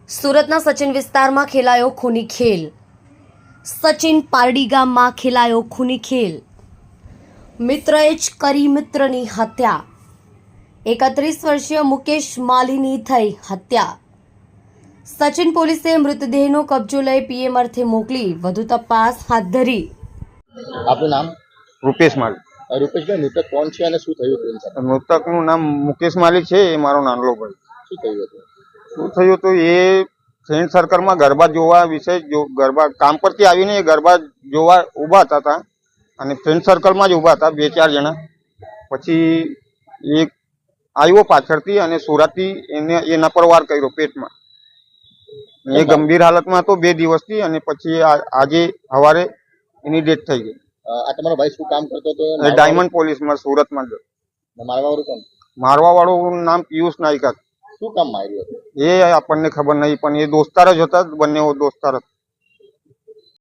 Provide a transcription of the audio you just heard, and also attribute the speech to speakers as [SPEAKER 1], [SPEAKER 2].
[SPEAKER 1] સુરતના સચિન વિસ્તારમાં ખેલાયો ખૂની ખેલ। સચિન પારડી ગામમાં ખેલાયો ખૂની ખેલ। મિત્રએ જ કરી મિત્રની હત્યા। 31 વર્ષીય મુકેશ માલીની થઈ હત્યા। સચિન પોલીસે મૃતદેહનો કબજો લઈ પીએમ અર્થે મોકલી વધુ તપાસ હાથ ધરી।
[SPEAKER 2] આપનું નામ?
[SPEAKER 3] રૂપેશ માલી।
[SPEAKER 2] રૂપેશભાઈ, મૃતક કોણ છે અને શું થયું તેની સાથે?
[SPEAKER 3] મૃતકનું નામ મુકેશ માલી છે। એ મારો નાનલો ભાઈ।
[SPEAKER 2] શું થયું હતું?
[SPEAKER 3] શું થયું હતું, એ ફ્રેન્ડ સર્કલમાં ગરબા જોવા વિશે ગરબા કામ પરથી આવીને એ ગરબા જોવા ઊભા હતા અને ફ્રેન્ડ સર્કલમાં જ ઊભા હતા 2-4 જણા। પછી એક આવ્યો પાછળથી અને સુરતથી એના પર વાર કર્યો પેટમાં। એ ગંભીર હાલતમાં હતો 2 દિવસથી અને પછી આજે સવારે એની ડેથ થઈ ગઈ।
[SPEAKER 2] આ તમારો ભાઈ શું કામ કરતો હતો?
[SPEAKER 3] એ ડાયમંડ પોલીસમાં સુરતમાં જ।
[SPEAKER 2] મારવાવાળું કોણ?
[SPEAKER 3] મારવાવાળું નામ પિયુષ નાયકા।
[SPEAKER 2] શું કામ માર્યું હતું?
[SPEAKER 3] એ આપણને ખબર નહીં, પણ એ દોસ્તાર જ હતા, બંને દોસ્તાર હતા।